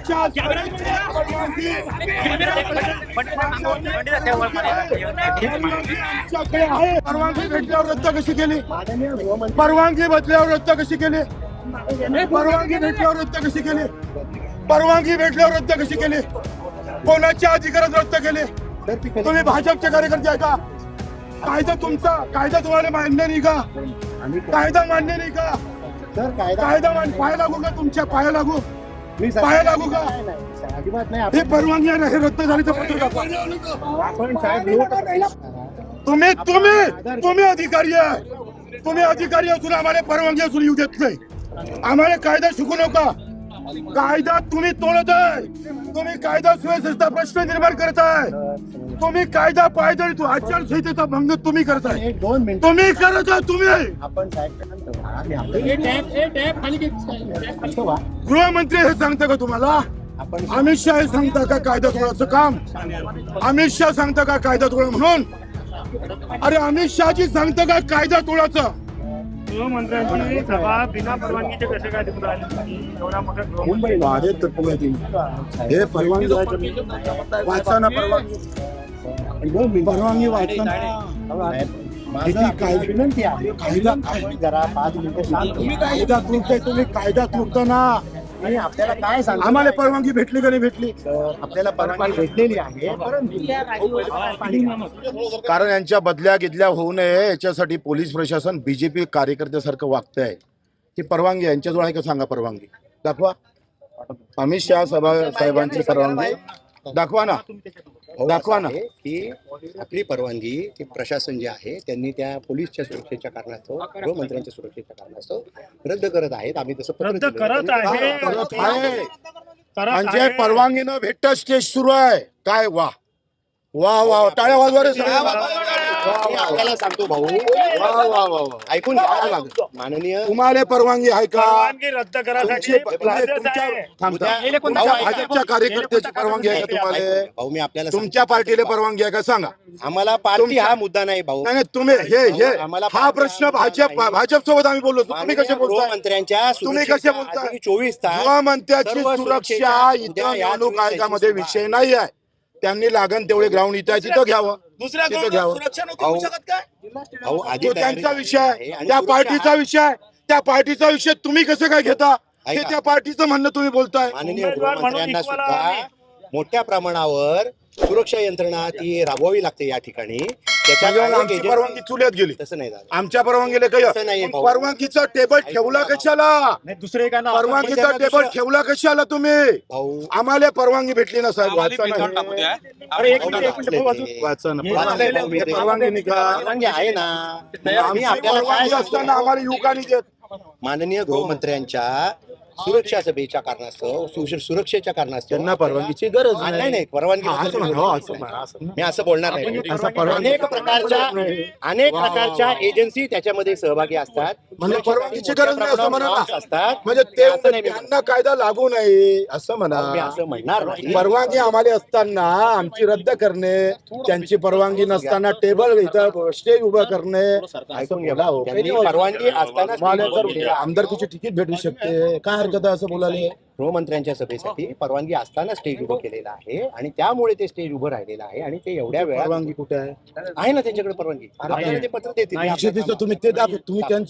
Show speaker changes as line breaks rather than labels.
कोणाच्या आमच्याकडे आहे परवानगी भेटल्यावर रद्द कशी केली? परवानगी भेटल्यावर रद्द कशी केली? परवानगी भेटल्यावर रद्द कशी केली? परवानगी भेटल्यावर रद्द कशी केली? कोणाच्या अधिकारात रद्द केले? तुम्ही भाजपचे कार्यकर्ते आहे का? कायदा तुमचा, कायदा तुम्हाला मान्य नाही का? कायदा मान्य नाही का? कायदा पाया लागू का? तुमच्या पाया लागू, पाया लागू का?
अजिबात नाही.
हे परवानगी आहे ना, हे रद्द झाली तर पत्र दाखवा.
आपण साहेब
तुम्ही तुम्ही तुम्ही अधिकारी आहे, तुम्ही अधिकारी असून आम्हाला परवानगी असून येऊ देत नाही. आम्हाला कायदा शिकू नका. कायदा तुम्ही तोडत आहे. तुम्ही कायदा सुव्यवस्थेचा प्रश्न निर्माण करत आहे. तुम्ही कायदा पायदळी तू आचारसंहितेचा भंग तुम्ही करताय.
एक 2 मिनिट
तुम्ही करत आहे. तुम्ही
आपण
गृहमंत्री हे सांगता का तुम्हाला?
आपण
अमित शहा हे सांगता का कायदा तोडायचं काम? अमित शहा सांगता का कायदा तोडा म्हणून? अरे अमित शहाजी सांगता का कायदा तोडायचं?
गृहमंत्र्यांची सभा बिना परवानगीचे कसे काय तिकडे आली? एवढा मोठा
मुंबई
हे परवानगी वाचा ना, परवानगी परवानगी वाचा ना.
विनंती आहे.
कायदा काय?
जरा 5 मिनिटं शांत
तुम्ही कायदा तोडताय, तुम्ही कायदा तोडता ना.
आणि आपल्याला काय सांग
आम्हाला परवानगी भेटली का नाही भेटली?
आपल्याला परवानगी भेटलेली आहे, परंतु
कारण यांच्या बदल्या गिदल्या होऊ नये याच्यासाठी पोलीस प्रशासन बीजेपी कार्यकर्त्यासारखं वागतंय. ही परवानगी यांच्याजवळ आहे का सांगा? परवानगी दाखवा. अमित शहा साहेबांची परवानगी दाखवा ना, दाखवा ना.
की आपली परवानगी ती प्रशासन जे आहे त्यांनी त्या पोलीसच्या सुरक्षेच्या कारणास्तव, गृहमंत्र्यांच्या सुरक्षेच्या कारणास्तव रद्द करत आहेत. आम्ही तसं पत्र
रद्द
दिलं.
करत आहे.
करत आहे.
करत
म्हणजे
आहे.
परवानगी न भेटता स्टेज सुरू आहे. काय वा वा वा, टाळ्या वाजवा रे सगळे.
मी आपल्याला सांगतो भाऊ,
वा वा वा वा.
ऐकून घ्यावं लागेल. माननीय
तुम्हाला परवानगी आहे का?
परवानगी रद्द करायसाठी
तुमच्या भाजपच्या कार्यकर्त्याची परवानगी आहे का तुम्हाला?
भाऊ मी आपल्याला
तुमच्या पार्टीला परवानगी आहे का सांगा?
आम्हाला पार्टी हा मुद्दा नाही भाऊ.
नाही तुम्ही हे हा प्रश्न भाजप सोबत आम्ही बोललो. तुम्ही कसे बोलताय?
गृहमंत्र्यांच्या
तुम्ही कसे बोलताय?
24 तास
गृहमंत्र्याची
सर्व
सुरक्षा इथं
उद्या या
निवडणूक
24
आयोगामध्ये
तारखेची
विषय नाही आहे. त्यांनी लागण तेवढे ग्राउंड इथं आहे, तिथं घ्यावं, तिथं घ्यावं.
भाऊ आधी
तो त्यांचा
तयारी
विषय
आहे
आहे,
आणि
त्या
सुरक्षा
पार्टीचा विषय आहे. त्या पार्टीचा विषय तुम्ही कसं काय घेता? हे
ऐका.
त्या पार्टीचं म्हणणं तुम्ही बोलताय.
माननीय
उमेदवार म्हणून
गृहमंत्र्यांना
इक्वल
सुद्धा
आम्ही.
मोठ्या प्रमाणावर सुरक्षा यंत्रणा ती राबवावी लागते या ठिकाणी.
त्याच्यावर
त्याच्या
आमची परवानगी चुल्यात गेली.
तसं नाही झालं.
आमच्या परवानगीला
तसं नाहीये
काही
भाऊ.
परवानगीचा टेबल ठेवला कशाला?
दुसरे काय ना
परवानगीचा टेबल ठेवला कशाला तुम्ही?
भाऊ
आम्हाला परवानगी भेटली ना साहेब. वाचा ना.
अरे एक मिनिट
वाचा ना.
वाचलंय भाऊ मी ते.
परवानगी नाही का?
परवानगी आहे ना. आम्ही
आमची
आपल्याला काय
परवानगी असताना आम्हाला युवकांनी देत.
माननीय गृहमंत्र्यांच्या सुरक्षा सभेच्या कारणास्तव, सुरक्षेच्या कारणास्तव
त्यांना परवानगीची गरज
नाही नाही परवानगी
असं म्हणा, हो, असं म्हणा, असं
मी असं बोलणार नाही.
असं परवानगी-
अनेक प्रकारच्या एजन्सी त्याच्यामध्ये सहभागी असतात.
म्हणजे परवानगीची गरज नाही असं म्हणा ना.
असतात.
म्हणजे
असं नाही मी
त्यांना कायदा लागू नये असं
मी
म्हणा.
असं म्हणणार नाही.
परवानगी आम्हाला असताना आमची रद्द करणे, त्यांची परवानगी नसताना टेबल इथं स्टेज उभं करणे
ऐकून घ्या भाऊ. त्यांनी परवानगी असताना
मला जर आमदारकीची तिकीट भेटू शकते, काय हरकत आहे असं बोलायला?
गृहमंत्र्यांच्या सभेसाठी परवानगी असताना स्टेज उभं केलेलं आहे आणि त्यामुळे ते स्टेज उभं राहिलेलं आहे आणि ते एवढ्या वेळात
परवानगी कुठे आहे?
आहे ना त्यांच्याकडे परवानगी. आपल्याला ते पत्र देतील.
तुम्ही ते दाखव, तुम्ही त्यांची